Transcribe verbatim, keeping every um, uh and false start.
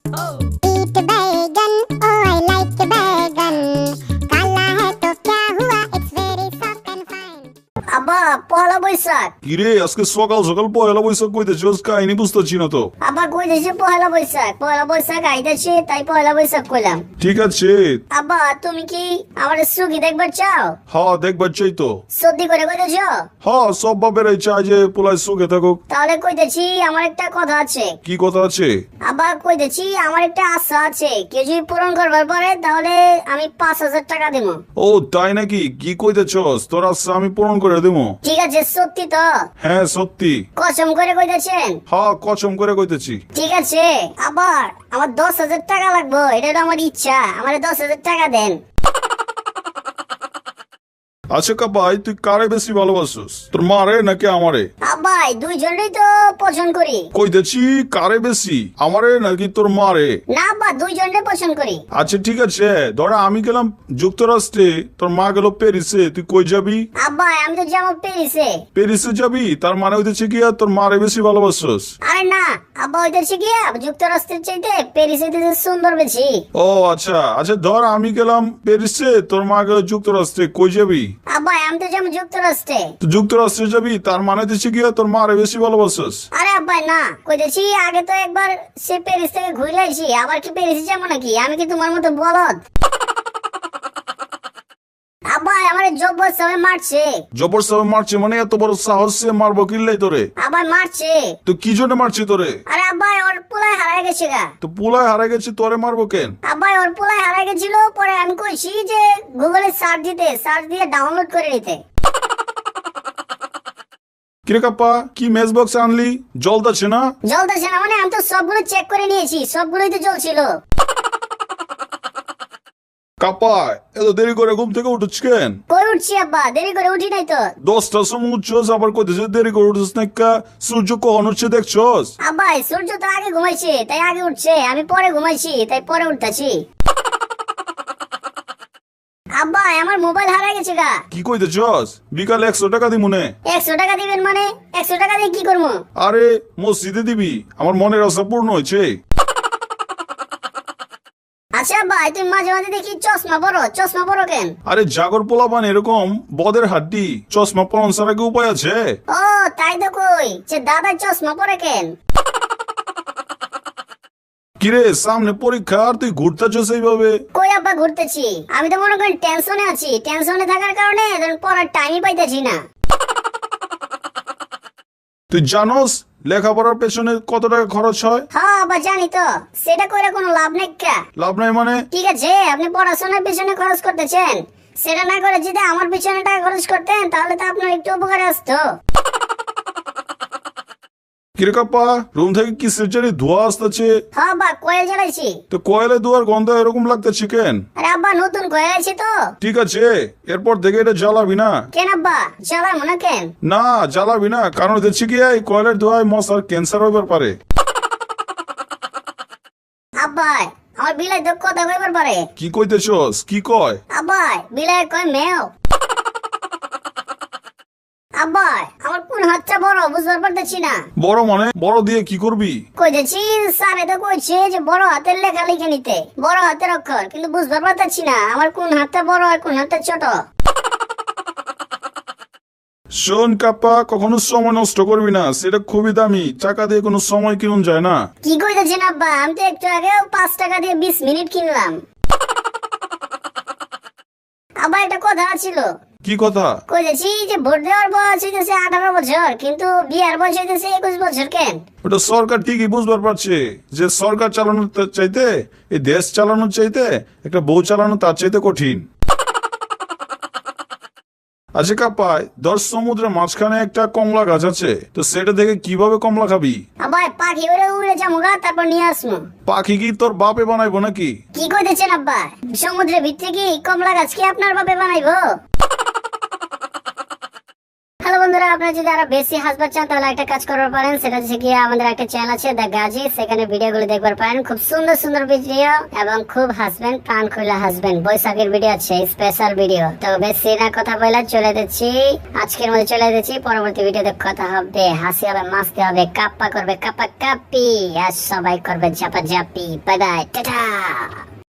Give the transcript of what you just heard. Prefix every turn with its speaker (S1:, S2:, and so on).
S1: ईट बैगन, oh I like बैगन, काला है तो क्या हुआ, it's very soft and fine.
S2: আব্বা পয়লা বৈশাখ।
S3: কিরে আজকে সকাল সকাল পয়লা বৈশাখ কইতেছিস? কাহিনী বুঝতেছি না তো।
S2: আব্বা কইতেছে পয়লা বৈশাখ, পয়লা বৈশাখ আইতাছে তাই পয়লা বৈশাখ কইলাম।
S3: ঠিক আছে।
S2: আব্বা তুমি কি আমার সুখী দেখবার চাও?
S3: হ্যাঁ দেখবার চাই তো।
S2: সত্যি করে কইতেছ?
S3: হ্যাঁ সব বাপেরাই চায় যে পোলায় সুখে থাকুক।
S2: তাহলে কইতেছি আমার একটা কথা আছে।
S3: কি কথা আছে?
S2: আব্বা কইতেছি আমার একটা আশা আছে, কেউ যদি পূরণ করবার পরে তাহলে আমি পাঁচ হাজার টাকা দেব।
S3: ও তাই নাকি? কি কইতেছস? তোর আশা আমি পূরণ করে দেবো।
S2: ঠিক আছে সত্যি তো?
S3: হ্যাঁ সত্যি।
S2: কসম করে কইতেছেন?
S3: হ্যাঁ কসম করে কইতেছি।
S2: ঠিক আছে। আবার আমার দশ হাজার টাকা লাগবে, এটা তো আমার ইচ্ছা, আমার দশ হাজার টাকা দেন।
S3: আচ্ছা কাপাই তুই কারে বেশি ভালোবাসিস, তোর মারে নাকি আমারে?
S2: আব্বাই দুইজনেই তো পছন্দ করি।
S3: কইতেছি কারে বেশি, আমারে নাকি তোর মারে?
S2: না আব্বা দুইজনে পছন্দ করি।
S3: আচ্ছা ঠিক আছে, ধরা আমি গেলাম যুক্তরাষ্ট্রে, তোর মা গেল প্যারিসে, তুই কই যাবি?
S2: আব্বা আমি তো যাবো প্যারিসে।
S3: প্যারিসে যাবি, তার মানে হইতেছে কি তোর মারে বেশি ভালোবাসিস?
S2: আরে না আব্বা হইতেছে কি যুক্তরাষ্ট্রের চাইতে প্যারিসে সুন্দর বেশি।
S3: ও আচ্ছা আচ্ছা, ধর আমি গেলাম প্যারিসে, তোর মা গেল যুক্তরাষ্ট্রে, কই যাবি?
S2: আব্বা আমি তো যাবো যুক্তরাষ্ট্রে।
S3: তো যুক্তরাষ্ট্রে যাবি, তার মানে হচ্ছে কি তোর মারে বেশি ভালোবাসিস?
S2: আরে আব্বা না, কইতেছি আগে তো একবার সে প্যারিস থেকে ঘুরে আইছি, আবার কি প্যারিসে যাবো নাকি? আমি কি তোমার মতো বলদ? আব্বা আমার জব্বর সবাই মারছে।
S3: জবর সবে মারছে মানে এত বড় সাহস সে মারবো কিল্লাই তোরে?
S2: আবার মারছে।
S3: তো কি জন্য মারছে তোরে?
S2: আরে আব্বা ওর পোলায় হারায় গেছে গা।
S3: তো পুলায় হারা গেছে, তোরে মারবো কেন?
S2: আব্বা ওর পোলায় হারায় গেছিল, পরে আমি কইছি যে গুগলে সার্চ দিতে, সার্চ দিয়ে ডাউনলোড করে নিতে।
S3: কিরে কাপ্পা কি মেস বক্স আনলি, জ্বলতাছে না?
S2: জ্বলতেছে না মানে? আমি তো সবগুলো চেক করে নিয়েছি, সবগুলোই তো জ্বলছিল।
S3: কাপ্পা এত দেরি করে ঘুম থেকে উঠছ কেন?
S2: কই উঠছি আব্বা, দেরি করে উঠি নাই তো।
S3: দশটার সময় উঠছস, আবার কইতেছিস দেরি করে উঠছিস না কা? সূর্য কখন উঠছে দেখছস?
S2: আব্বা সূর্য তো আগে ঘুমাইছে তাই আগে উঠছে, আমি পরে ঘুমাইছি তাই পরে উঠতাছি। আব্বা আমার মোবাইল হারাই গেছে গা।
S3: কি কইতেছস? বিকালে একশো টাকা দি মনে।
S2: একশো টাকা দিবেন মানে? একশো টাকা দিয়ে কি করবো?
S3: আরে মসজিদে দিবি, আমার মনের আশা পূর্ণ হয়েছে।
S2: আচ্ছা ভাই তুমি মাঝে মাঝে দেখি চশমা পরো, চশমা পরো কেন?
S3: আরে জাগর পোলাপান এরকম বদের হাড্ডি, চশমা পরন ছাড়া কি উপায় আছে?
S2: ও তাই তো কই যে দাদা চশমা পরে কেন?
S3: কিরে সামনে পরীক্ষা আর তুই ঘুরতেছস এইভাবে?
S2: কই আব্বা ঘুরতেছি, আমি তো মনে করেন টেনশনে আছি, টেনশনে থাকার কারণে পড়ার টাইমই পাইতেছি না।
S3: তুই জানোস লেখাপড়ার পেছনে কত টাকা খরচ হয়?
S2: হ্যাঁ আব্বা জানি তো, সেটা করে কোনো লাভ নেই কা।
S3: লাভ নাই মানে?
S2: ঠিক আছে আপনি পড়াশোনার পেছনে খরচ করতেছেন, সেটা না করে যদি আমার পেছনে টাকা খরচ করতেন তাহলে তো আপনার একটু উপকারে আসতো।
S3: কিরে কাপ্পা রুম থেকে কি সেচারি ধোয়া আসতেছে?
S2: হ্যাঁ আব্বা কয়েল জ্বালাইছি।
S3: তো কয়লা ধোয়ার গন্ধ এরকম লাগতেছে কেন?
S2: আরে আব্বা নতুন কয়েল আছে তো।
S3: ঠিক আছে এরপর থেকে এটা জ্বালাবি না।
S2: কেন আব্বা জ্বালাই মনে কেন?
S3: না জ্বালাবি না, কারণ দেখছি কি এই কয়লার ধোয়ায় মশার ক্যান্সার হইবার পারে।
S2: আব্বা আমার বিলাই তো কথা কইবার পারে।
S3: কি কইতেছস? কি কয়?
S2: আব্বা বিলাই কয় মেও। আব্বা আমার কোন হাতটা বড় বুঝবার পারতেছি না।
S3: বড় মানে? বড় দিয়ে কি করবি?
S2: কইতেছি স্যারে তো কইছে যে বড় হাতের লেখা লিখে নিতে, বড় হাতের অক্ষর, কিন্তু বুঝবার পারতেছি না আমার কোন হাতটা বড় আর কোন হাতটা ছোট।
S3: শোন কাপ্পা কখনো সময় নষ্ট করবি না, সেটা খুবই দামি, টাকা দিয়ে কোনো সময় কিনুন যায় না।
S2: কি কইতেছেন আব্বা? আমি তো একটু আগে পাঁচ টাকা দিয়ে বিশ মিনিট কিনলাম। আবার একটা কথা ছিল।
S3: কি কথা?
S2: কইতেছি যে ভোট দেওয়ার বয়স হইতেছে আঠারো বছর, কিন্তু বিয়ার বয়স হইতেছে একুশ বছর কেন?
S3: ওটা সরকার ঠিকই বুঝবার পারছে যে সরকার চালানোর চাইতে, এই দেশ চালানোর চাইতে একটা বউ চালানো তার চাইতে কঠিন। আচ্ছা কাপ্পায় দশ সমুদ্রের মাঝখানে একটা কমলা গাছ আছে, তো সেটা দেখে কিভাবে কমলা খাবি?
S2: আবার পাখি উড়ে উড়ে যামুগা তারপর নিয়ে আসবো।
S3: পাখি কি তোর বাপে বানাইবো নাকি?
S2: কি কইতেছেন আব্বা? সমুদ্রের ভিতরে কি কমলা গাছ কি আপনার বাপে বানাইবো? হ্যালো বন্ধু। বন্ধুরা আপনারা যদি আরো বেশি হাসবার চান তাহলে একটা কাজ করতে পারেন, সেটা হচ্ছে কি আমাদের একটা চ্যানেল আছে দ্য গাজী, সেখানে ভিডিওগুলো দেখবার পারেন, খুব সুন্দর সুন্দর ভিডিও এবং খুব হাসবেন, প্রাণ খুলে হাসবেন। বৈশাখের ভিডিও আছে, স্পেশাল ভিডিও। তো বেশি না কথা বলে চলে যাচ্ছি, আজকের মধ্যে চলে যাচ্ছি, পরবর্তী ভিডিওতে কথা হবে, হাসি হবে, মাস্তি হবে, কাপ্পা করবে কাপ্পা কাপ্পি, আর সবাই করবে ঝাপা ঝাপি। Bye bye, tata.